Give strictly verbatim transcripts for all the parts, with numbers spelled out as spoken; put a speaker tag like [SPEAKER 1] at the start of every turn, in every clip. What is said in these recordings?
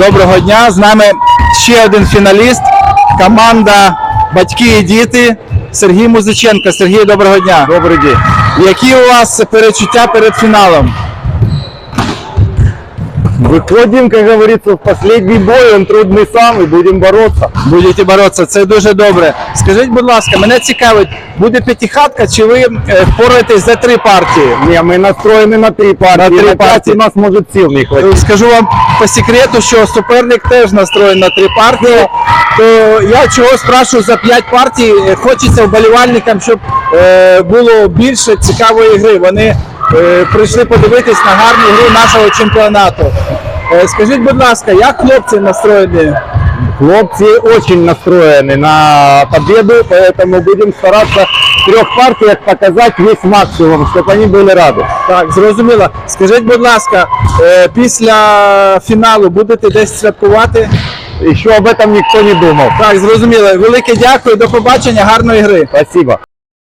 [SPEAKER 1] Доброго дня, з нами ще один фіналіст, команда «Батьки і діти» Сергій Музиченко. Сергій, доброго дня.
[SPEAKER 2] Добрый день.
[SPEAKER 1] Які у вас перечуття перед фіналом?
[SPEAKER 2] Выходим, как говорится, в последний бой, он трудный сам, и будем бороться.
[SPEAKER 1] Будете боротися, це дуже добре. Скажіть, будь ласка, мене цікавить, буде п'ятихатка, чи ви е, впораєтесь за три партії?
[SPEAKER 2] Не, мы настроены на три партии,
[SPEAKER 1] На три
[SPEAKER 2] на пять
[SPEAKER 1] партии.
[SPEAKER 2] у нас может сил не хватить.
[SPEAKER 1] Скажу вам по секрету, що суперник теж настроєн на три партії, то я чого спрашиваю за п'ять партій, хочеться вболівальникам, щоб е, було більше цікавої гри. Вони е, прийшли подивитись на гарну гру нашого чемпіонату. Е, скажіть, будь ласка, як хлопці настроєні?
[SPEAKER 2] Хлопцы очень настроены на победу, поэтому будем стараться в трех партиях показать весь максимум, чтобы они были рады.
[SPEAKER 1] Так, зрозуміло. Скажіть, будь ласка, е, після фіналу будете десь святкувати?
[SPEAKER 2] Еще об этом никто не думал.
[SPEAKER 1] Так, зрозуміло. Велике дякую, до побачення, гарної гри.
[SPEAKER 2] Спасибо.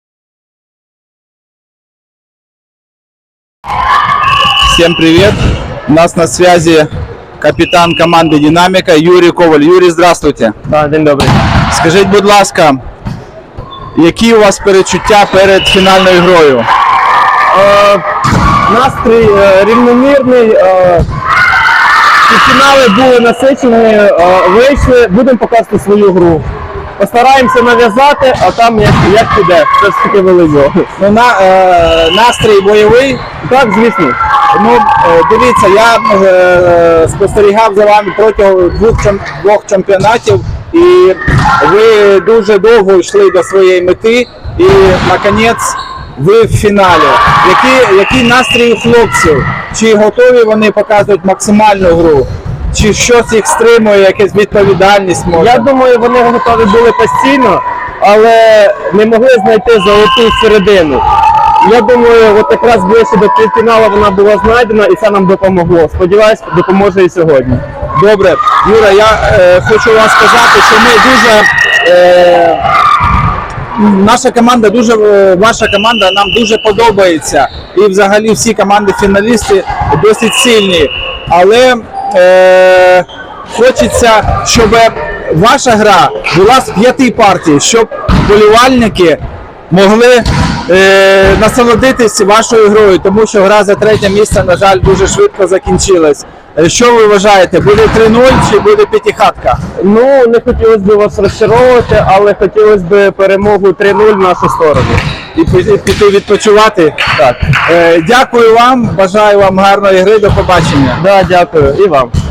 [SPEAKER 1] Всем привет! У нас на связи капитан команды «Динамика» Юрій Коваль. Юрій, здравствуйте.
[SPEAKER 2] Да, день добрый.
[SPEAKER 1] Скажіть, будь ласка, які у вас перечуття перед фінальною грою?
[SPEAKER 2] Е, настрій е, рівномірний, е, і фінали були насичені, е, вийшли, будемо показувати свою гру. Постараємося нав'язати, а там як, як піде, це ж таки велико.
[SPEAKER 1] Ну, на, е, настрій бойовий.
[SPEAKER 2] Так, звісно.
[SPEAKER 1] Ну, е, дивіться, я е, спостерігав за вами протягом двох, чем- двох чемпіонатів, і ви дуже довго йшли до своєї мети, і, наконець, ви в фіналі. Які, які настрій у хлопців? Чи готові вони показувати максимальну гру? Чи щось їх стримує, якась відповідальність може?
[SPEAKER 2] Я думаю, вони готові були постійно, але не могли знайти золоту середину. Я думаю, от якраз ближче до півфіналу вона була знайдена, і це нам допомогло. Сподіваюсь, допоможе і сьогодні.
[SPEAKER 1] Добре. Юра, я е, хочу вам сказати, що ми дуже... Е, наша команда, дуже, е, ваша команда нам дуже подобається. І взагалі всі команди-фіналісти досить сильні. Але е, хочеться, щоб ваша гра була з п'яти партій, щоб вболівальники могли е, насолодитись вашою грою, тому що гра за третє місце, на жаль, дуже швидко закінчилась. Е, Що ви вважаєте, буде три нуль чи буде п'ятихатка?
[SPEAKER 2] Ну, не хотілося б вас розчаровувати, але хотілося б перемогу три нуль в нашу сторону.
[SPEAKER 1] І пі- піти відпочивати?
[SPEAKER 2] Так.
[SPEAKER 1] Е, дякую вам, бажаю вам гарної гри, до побачення.
[SPEAKER 2] Да, дякую. І вам.